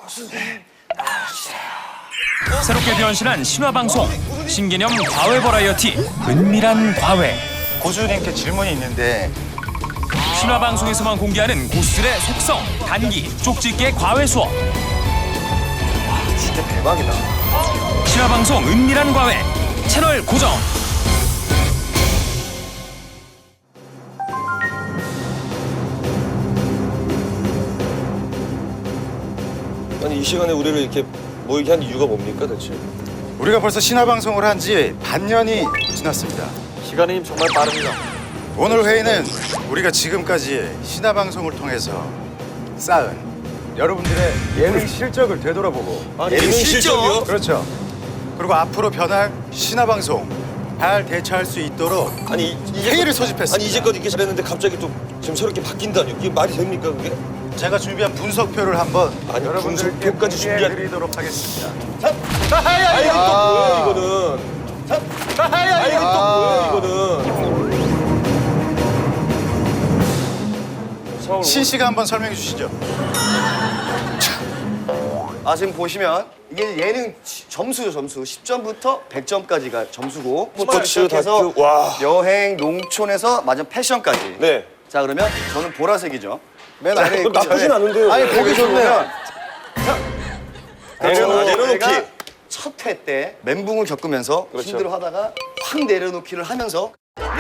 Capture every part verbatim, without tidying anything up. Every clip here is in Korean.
새롭게 변신한 신화방송 신개념 과외 버라이어티 은밀한 과외. 고수님께 질문이 있는데 신화방송에서만 공개하는 고수들의 속성, 단기, 쪽집게 과외 수업. 진짜 대박이다. 신화방송 은밀한 과외 채널 고정. 아니 이 시간에 우리를 이렇게 모이게 한 이유가 뭡니까 대체? 우리가 벌써 신화방송을 한 지 반년이 지났습니다. 시간이 정말 빠릅니다. 오늘 회의는 우리가 지금까지 신화방송을 통해서 쌓은 여러분들의 예능 실적을 되돌아보고 아, 예능 실적이요? 그렇죠. 그리고 앞으로 변할 신화방송 잘 대처할 수 있도록 아니 이- 회의를 소집했습니다. 아니 이제껏 이렇게 잘했는데 갑자기 또 지금 새롭게 바뀐다니 이게 말이 됩니까 그게? 제가 준비한 분석표를 한번 아니, 여러분들께 분석표까지 준비한- 공개해드리도록 하겠습니다. 아 이건 또 뭐야 이거는? 아 이건 또 뭐야 이거는? 서울 신 씨가 한번 설명해 주시죠. 아 지금 보시면 이게 예능 지- 점수죠 점수 십 점부터 백 점까지가 점수고 부터 스포츠, 시작해서 다큐, 와. 여행, 농촌에서 마지막 패션까지. 네. 자 그러면 저는 보라색이죠. 맨 아래 그거 나쁘진 않은데요. 아니 네, 보기 좋으면 내려놓- 내려놓기. 첫 회 때 멘붕을 겪으면서 그렇죠. 힘들어하다가 확 내려놓기를 하면서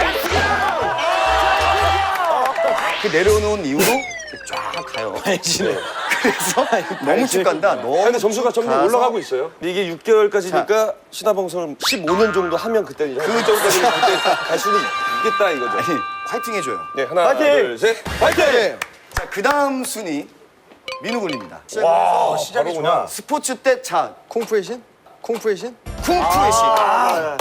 그 내려놓은 이후로 쫙 가요. 그래서 너무 쭉 간다. 너무 근데 점수가 쭉 점점 가서 올라가고 있어요. 근데 이게 육 개월까지니까 신화방송을 십오 년 정도 하면 그때 이제 그 정도까지 그때 갈 수는 있겠다 이거죠. 아니, 화이팅 해줘요. 네 하나 화이팅! 둘 셋 화이팅! 자, 그 다음 순위 민우 군입니다. 와 시작이 바로구나. 스포츠 때 자, 콩푸의 신? 콩푸의 신? 쿵푸의 신. 아.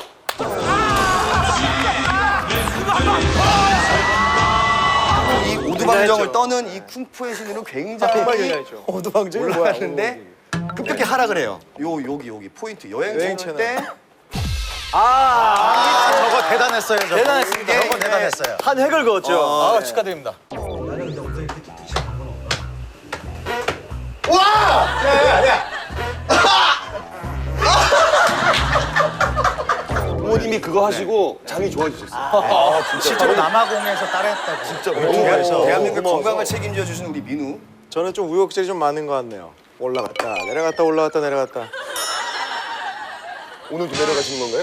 이 오두방정을 떠는 이 쿵푸의 신으로 굉장히 어두방정이 뭐야? 올라갔는데 급격히 하락을 해요. 요 여기 여기 포인트 여행 여행 채널 채널. 때 아, 저거 대단했어요. 저거. 대단했습니다. 저거 대단했어요. 한 획을 그었죠. 어, 아, 네. 축하드립니다. 부모님이 그거 하시고 장이 좋아지셨어요. 아 진짜. 실제로 남아공에서 따라했다고. 진짜 그래서 너무 대한민국 고마워서. 건강을 책임져 주신 우리 민우. 저는 좀 우여곡절이 좀 많은 것 같네요. 올라갔다, 내려갔다, 올라갔다, 내려갔다. 오늘도 내려가시는 건가요?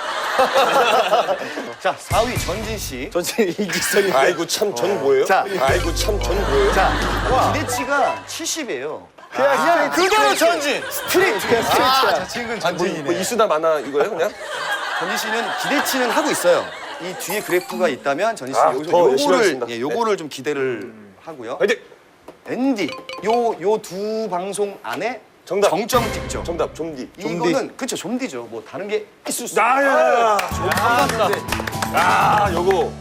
자, 사 위 전진 씨. 전체 이기성이. 아이고 참 전 뭐예요? 자. 아이고 참 전 뭐예요? 자, 기대치가 칠십이에요. 그냥 그냥 그대로 전진. 스트레이트. 스트레이트야. 저 친구는 뭐, 전진이네. 뭐 이수나 마나 이거예요 그냥? 전진 씨는 기대치는 하고 있어요. 이 뒤에 그래프가 있다면 전진 씨 아, 여기서 더 열심히 요거를 하겠습니다. 예, 요거를 좀 기대를 하고요. 화이팅! 앤디 요 요 두 방송 안에 정답. 정점 찍죠. 정답 좀디. 이거는 그쵸 좀디죠. 뭐 다른 게 있을 수. 나야. 아 요거.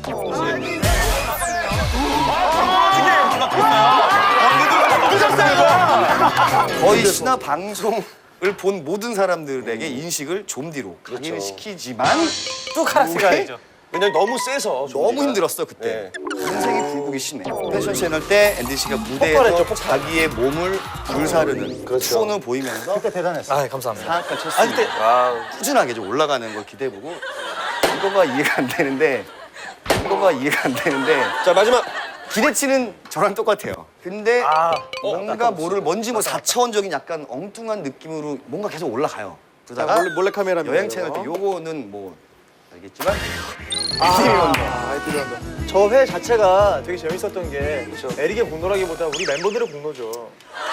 거의 신화 방송을 본 모든 사람들에게 인식을 좀디로 강의를 시키지만 또 카라스가 아니죠. 그냥 너무 세서 너무 힘들었어 그때. 네. 인생이 굴곡이 심해. 패션 채널 때 앤디 씨가 폭발했죠, 무대에서 폭발. 자기의 몸을 불사르는 그렇죠. 투혼을 보이면서 그때 대단했어. 아, 감사합니다. 사악한 쳤습니다. 아 꾸준하게 좀 올라가는 걸 기대해보고 이거가 이해가 안 되는데 이거가 이해가 안 되는데 자 마지막. 기대치는 저랑 똑같아요. 근데 아, 뭔가 뭐를 뭔지 뭐 사차원적인 약간 엉뚱한 느낌으로 뭔가 계속 올라가요. 그러다가 몰래, 몰래 카메라입니다. 여행 채널 때 요거는 뭐 알겠지만 아, 아이들이 한다. 저 회 자체가 되게 재밌었던 게 에릭의 공로라기보다 우리 멤버들의 공로죠.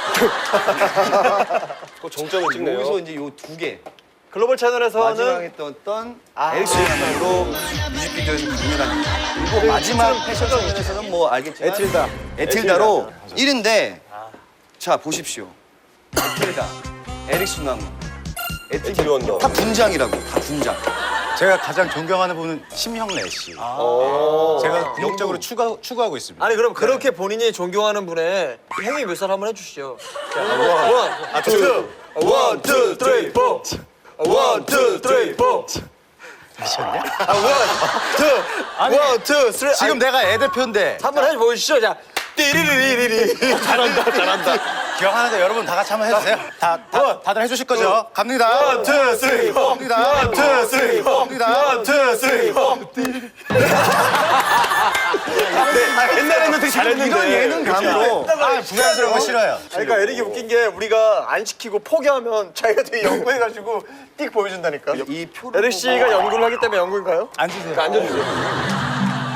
그 정점을 찍네요. 여기서 이제 요 두 개 글로벌 채널에서는 마지막에 떴던 아. 엘스야말로 뮤직비디오에서 강렬한 그리고 마지막 패션 장면에서는 뭐 알겠지만 에틸다. 에틸다로 일 위인데 자 보십시오. 에틸다, 에릭 수나무, 에틸 원더. 다 분장이라고 다 분장. 제가 가장 존경하는 분은 심형래 씨. 어. 제가 궁극적으로 추가, 추구하고 있습니다. 아니 그럼 그렇게 본인이 존경하는 분의 행위 묘사를 한번 해주시죠. 원, 투, 원, 투, 쓰리, 포. 원, 투, 쓰리, 포. 원, 투, 쓰리. 지금 내가 애 대표인데 한번 해보시죠. 자, 띠리리리리리. 잘한다, 잘한다. 기억하는데 여러분 다 같이 한번 해주세요. 다, 다 다들 해주실 거죠? 갑니다. 원, 투, 쓰리, 포. 갑니다. 원, 투, 쓰리, 포. 갑니다. 원, 투, 쓰리, 포. 옛날에는 되게 잘했는데. 이런 예능감으로. 아, 부자연스러운 거 싫어요. 그러니까 에릭이 웃긴 게 우리가 안 시키고 포기하면 자기가 되게 연구해가지고 띡 보여준다니까. 이 표를 에릭 씨가 연구를 하기 때문에 연구인가요? 앉으세요. 앉아주세요.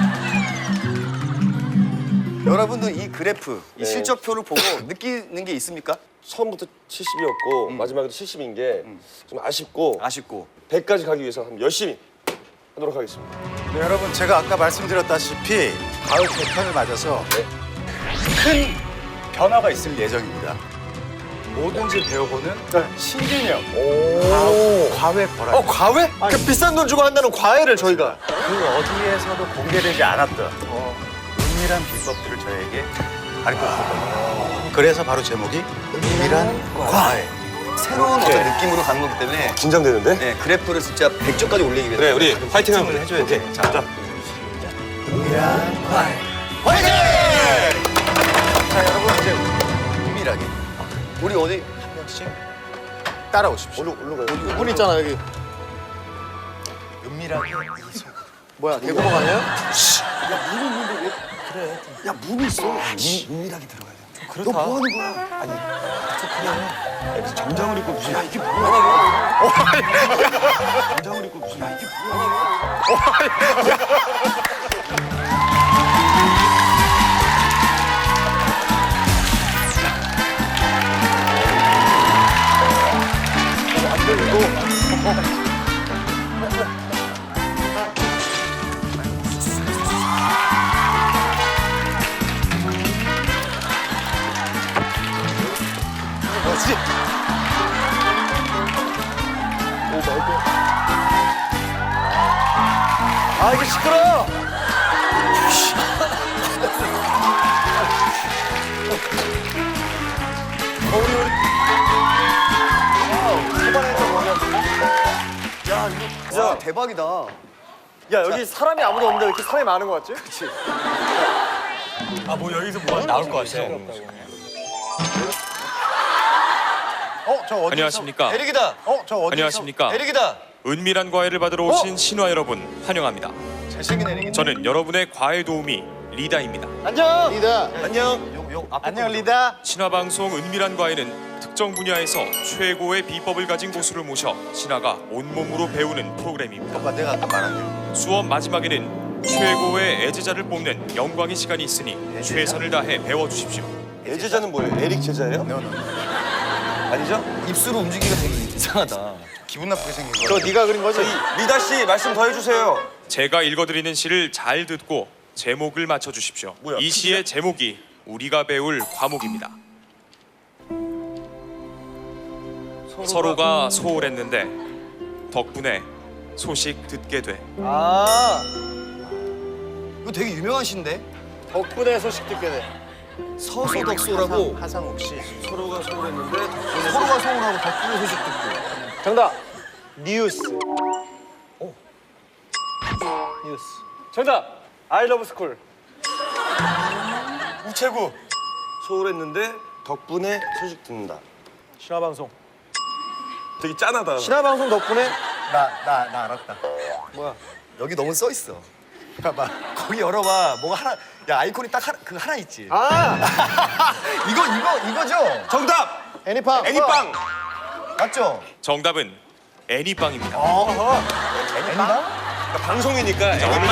여러분도 이 그래프, 네. 이 실적표를 보고 느끼는 게 있습니까? 처음부터 칠십이었고 마지막에도 칠십인 게 좀 아쉽고 아쉽고. 백까지 가기 위해서 한번 열심히 하도록 하겠습니다. 네, 여러분 제가 아까 말씀드렸다시피 가을 개편을 맞아서 큰 변화가 있을 예정입니다. 뭐든지 배워보는 신개념 과외 버라이어티. 어 과외? 그 비싼 돈 주고 한다는 과외를 저희가. 그 어디에서도 공개되지 않았던 은밀한 비법들을 저에게 가르쳐줄 겁니다. 그래서 바로 제목이 은밀한 과외. 새로운 어떤 느낌으로 가는 거기 때문에 긴장되는데? 네, 그래프를 진짜 백 점까지 올리기 위해서 그래 우리 파이팅 한번 해줘야 돼. 자, 자. 은밀한 과외. 화이팅! 자 여러분 이제 은밀하게 우리 어디 한 명씩 따라오십시오. 얼른 얼른 가요. 문 있잖아 여기. 은밀하게 이 속. 뭐야 대구멍 아니에요? 야 문이 있어. 은밀하게 들어가야 돼. 그렇다. 너 뭐 하는 거야? 아니 정장을 입고 무슨 야 이게 뭐야? 정장을 입고 무슨 야 이게 뭐야? 뭐지? 아 이게 시끄러. 야 대박이다. 야 여기 사람이 아무도 없는데 왜 이렇게 사람이 많은 거 같지? 어, 저 어디서? 안녕하십니까? 에릭이다. 어, 저 어디서? 안녕하십니까? 에릭이다. 은밀한 과외를 받으러 오신 신화 여러분 환영합니다. 잘생긴 애니긴. 저는 여러분의 과외 도우미 리다입니다. 안녕. 리다. 안녕. 요, 요 앞에 안녕 리다. 신화 방송 은밀한 과외는 특정 분야에서 최고의 비법을 가진 고수를 모셔 신화가 온몸으로 배우는 프로그램입니다. 오빠 내가 아까 말한 대로. 수업 마지막에는 최고의 애제자를 뽑는 영광의 시간이 있으니 최선을 다해 배워주십시오. 예제자는 뭐예요? 에릭 제자예요? 너, 너. 아니죠? 입술 움직이기가 되게 이상하다. 기분 나쁘게 생긴 거. 저 네가 그린 거지? 리다 씨 말씀 더 해주세요. 제가 읽어드리는 시를 잘 듣고 제목을 맞춰주십시오. 뭐야, 이 시의 제목이 우리가 배울 과목입니다. 서로가 소홀했는데 덕분에 소식 듣게 돼. 아 이거 되게 유명한 시인데? 덕분에 소식 듣게 돼. 서소덕소라고 하상욱 씨. 서로가 소홀했는데 덕분에 서로가 소문하고 덕분에 소식 듣고. 정답. 뉴스. 오. 뉴스. 정답. I love school. 우체국. 소홀했는데 덕분에 소식 듣는다. 신화방송. 되게 짠하다. 신화방송 덕분에 나, 나, 나 알았다. 뭐야? 여기 너무 써 있어. 봐봐. 거기 열어봐. 뭐가 하나. 야 아이콘이 딱 하나 그 하나 있지. 아 이거 이거 이거죠? 정답. 애니팡. 애니빵. 맞죠? 정답은 애니빵입니다. 애니방? 방송이니까 애니빵.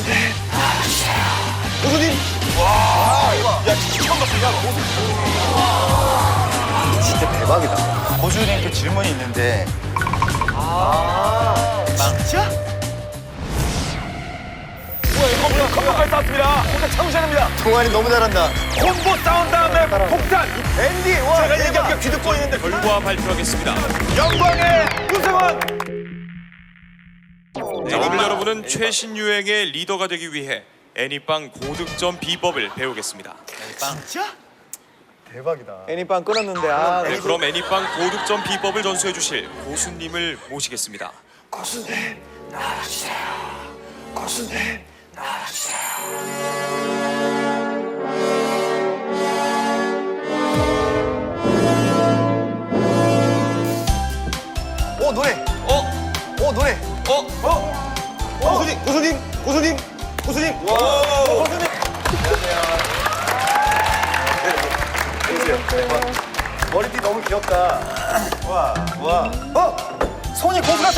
교수님. 야 진짜 처음 봤어. 야, 진짜 대박이다. 고수님께 질문이 있는데 진짜? 컴퓨터까지 쌌습니다. 혼자 참으셔야됩니다. 동환이 너무 잘한다. 콤보 싸운 다음에 폭탄. 앤디 와 제가 대박. 얘기하니까 귀 듣고 있는데 결과 발표하겠습니다. 영광의 우승은 자, 오늘 여러분은 최신 유행의 리더가 되기 위해 애니빵 고득점 비법을 배우겠습니다. 진짜? 대박이다. 애니팡 끊었는데 아. 네, 그럼 애니빵 고득점 비법을 전수해 주실 고수님을 모시겠습니다. 고수님 나와주세요. 고수님 나와주세요. 노래. 어? 어 노래. 어? 어? 고수님, 고수님, 고수님, 고수님. 와, 고수님. 머리띠 너무 귀엽다. 와, 와. 어? 손이 고수 같아.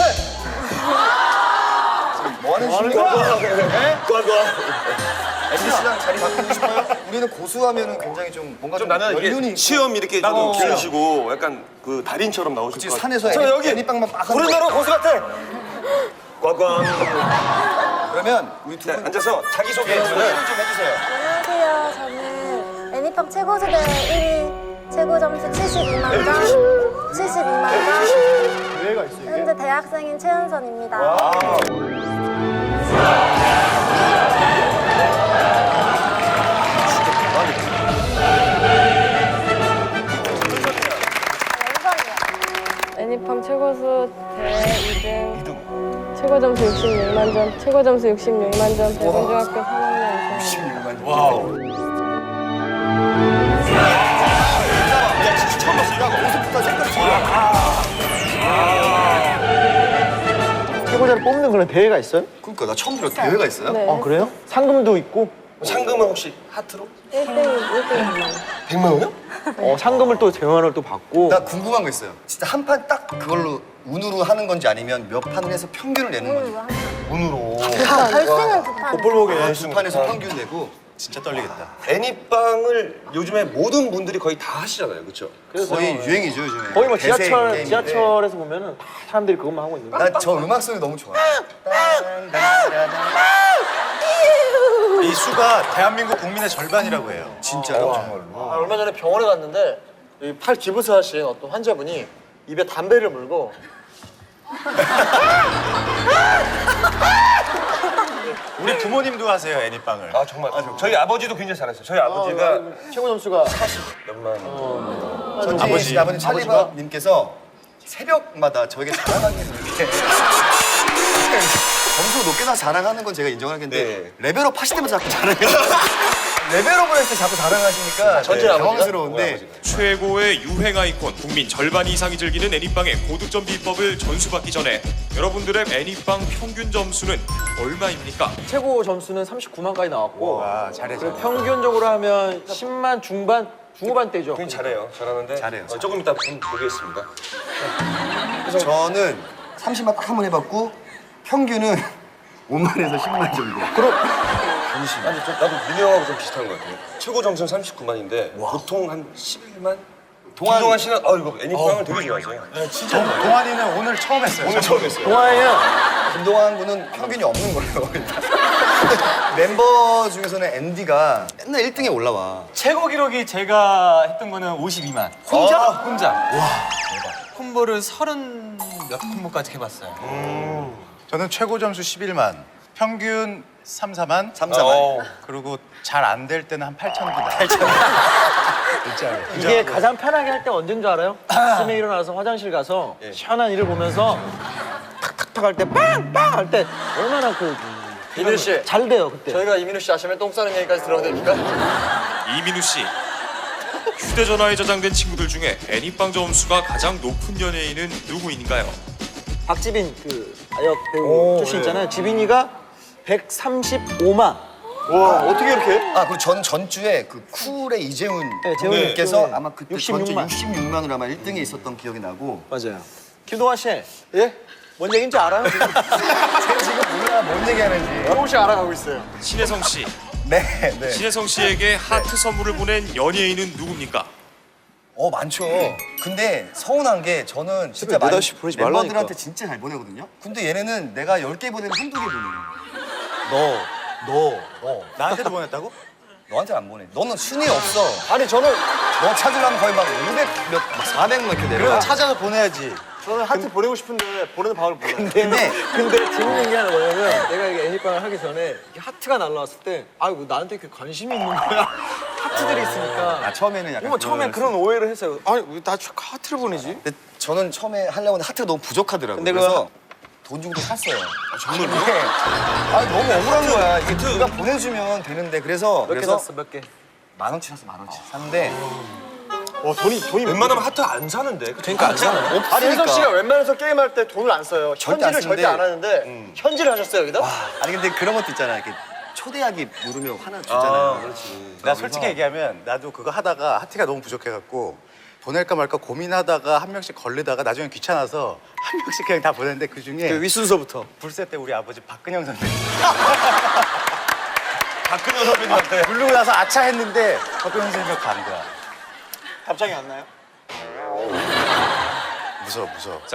지금 뭐 하는 중이야? 네? 엠비씨랑 자리 바꾸고 싶어요? 우리는 고수하면은 굉장히 좀 뭔가 좀, 나는 연륜이 이게 시험 이렇게 좀 나도. 기르시고 약간 그 달인처럼 나오실 그치, 것 같아요. 산에서 저 애니, 여기 애니빵만 막 하는 고른다로 고수 같아. 꽝꽝. 그러면 우리 두 네, 분 앉아서 자기 소개 소개를 해주세요. 좀 해주세요. 안녕하세요. 저는 애니팡 최고수대 일 위 최고 점수 칠십이만 점, 칠십이만 점. 기회가 있어 이게. 현재 대학생인 최은선입니다. 애니팡 최고수 대회 이 등 최고 점수 육십육만 점, 최고 점수 육십육만 점, 백운중학교 삼 학년 이상. 와우. 야, 진짜 처음 봤어. 야, 옷부터 색깔이 좋아. 최고자를 뽑는 그런 대회가 있어요? 그러니까 나 처음 들어. 대회가 있어요? 네. 어 그래요? 상금도 있고. 상금은 혹시 하트로? 일 등, 일 등. 백만 원이요? 어 상금을 또 대원을 또 받고. 나 궁금한 거 있어요. 진짜 한 판 딱 그걸로 운으로 하는 건지 아니면 몇 판을 해서 평균을 내는 건지. 운으로. 결승은 두 판. 볼목에. 두 판에서 평균 내고 진짜 떨리겠다. 애니빵을 요즘에 모든 분들이 거의 다 하시잖아요, 그렇죠? 거의 유행이죠 요즘에. 거의 뭐 대세 지하철 게임인데. 지하철에서 보면은 다 사람들이 그것만 하고 있는 거야. 나 저 음악 소리 너무 좋아. 이 수가 대한민국 국민의 절반이라고 해요. 진짜요? 아, 얼마 전에 병원에 갔는데 이 팔 기부스하신 어떤 환자분이 입에 담배를 물고 우리 부모님도 하세요, 애니빵을. 아 정말. 저희 아버지도 굉장히 잘했어요. 저희 아버지가 최고 점수가 몇만 원. 전지 아버지, 아버님 찰리바님께서 새벽마다 저에게 자랑하기를 이렇게 점수 높게 나 자랑하는 건 제가 인정하겠는데 네. 레벨업 하실 때마다 자꾸 자랑해요. 레벨업을 할 때 자꾸 자랑하시니까 전지 아버지가? 당황스러운데 최고의 유행 아이콘, 국민 절반 이상이 즐기는 애니빵의 고득점 비법을 전수받기 전에 여러분들의 애니빵 평균 점수는 얼마입니까? 최고 점수는 삼십구만까지 나왔고 와, 잘해, 그리고 잘해. 평균적으로 하면 십만 중반 중후반대죠. 굉장히 잘해요. 잘하는데. 잘해요. 어, 조금 이따 좀 보겠습니다. 저는 삼십만 딱 한 번 해봤고 평균은 오만에서 십만 정도. 그럼 아니, 저, 나도 민우 형하고 좀 비슷한 것 같아요. 최고 점수는 삼십구만인데 보통 한 십일만? 동안- 동안 씨는 아 이거 애니빵을 되게 좋아하세요. 동- 동환이는 오늘 처음 했어요. 오늘 처음 했어요. 동아이는 김동완 군은 평균이 없는 거예요. 멤버 중에서는 앤디가 맨날 일 등에 올라와. 최고 기록이 제가 했던 거는 오십이만. 혼자? 아, 혼자. 와, 대박. 콤보를 서른 몇 콤보까지 해봤어요. 저는 최고 점수 십일만, 평균 삼, 사만, 삼, 사만. 어. 그리고 잘 안 될 때는 한 팔천 기다. 이게 가장 편하게 할 때 언제인 줄 알아요? 아침에 일어나서 화장실 가서 시원한 일을 보면서 탁탁탁 할 때 빵빵 할 때 얼마나 그 이민우 씨, 잘 돼요 그때. 저희가 이민우 씨 아침에 똥 싸는 얘기까지 들어도 됩니까? 이민우 씨. 휴대전화에 저장된 친구들 중에 애니빵 점수가 가장 높은 연예인은 누구인가요? 박지빈 그 아역 배우 출신 있잖아요. 지빈이가 백삼십오만. 와, 어떻게 이렇게 해? 아 그리고 전 전주에 그 쿨의 이재훈 네, 재훈이 님께서 네. 아마 그때 육십육만. 전주 육십육만으로 아마 일 등에 있었던 기억이 나고. 맞아요. 김동완 씨, 예? 뭔 얘기인지 알아요? 제가 지금 몰라 뭔 얘기하는지. 조금씩 알아가고 있어요. 신혜성 씨. 네, 네. 신혜성 씨에게 하트 선물을 보낸 연예인은 누굽니까? 어 많죠. 근데 서운한 게 저는 진짜 많이 네다시 보내지 말라니까. 멤버들한테 진짜 잘 보내거든요. 근데 얘네는 내가 열 개 보내면 한두 개 보내요. 너, 너, 너. 나한테도 보냈다고? 너한테 안 보내. 너는 순위 없어. 아니, 저는 너 찾으려면 거의 막 오백 몇, 막 사백 몇 이렇게 내려가. 찾아서 보내야지. 저는 하트 보내고 싶은데 보내는 방을 몰라요. 근데 근데 재밌는 게 하나 뭐냐면 내가 이게 애니빵을 하기 전에 이게 하트가 날라왔을 때 아, 왜 나한테 이렇게 관심이 있는 거야? 하트들이 있으니까. 아, 처음에는 약간 정말 처음엔 그런 오해를 했어요. 아니, 왜 나 하트를 보내지? 근데 저는 처음에 하려고 했는데 하트가 너무 부족하더라고요. 근데 그래서 돈 주고도 샀어요. 정말로? 아 너무 억울한 거야. 이게 누가 보내주면 되는데 그래서 몇 개 그래서 샀어? 몇 개? 만 원치 샀어 만 원치 샀는데 와 돈이 돈이 웬만하면 하트 안 사는데. 그러니까 안 사는 아니 혜성 씨가 웬만해서 게임할 때 돈을 안 써요. 절대 현질을 안 절대 쓰는데. 안 하는데 현질을 하셨어요 여기다? 아니 근데 그런 것도 있잖아. 이렇게 초대하기 누르면 하나 주잖아요. 그렇지. 나 솔직히 얘기하면 나도 그거 하다가 하트가 너무 부족해갖고 보낼까 말까 고민하다가 한 명씩 걸리다가 나중에 귀찮아서 한 명씩 그냥 다 보냈는데 그 중에 그 윗순서부터. 불세 때 우리 아버지 박근영 선생님 박근혜 선배님한테. 부르고 나서 아차 했는데 박근영 선생님이 간 거야. 답장이 안 나요? 무서워 무서워.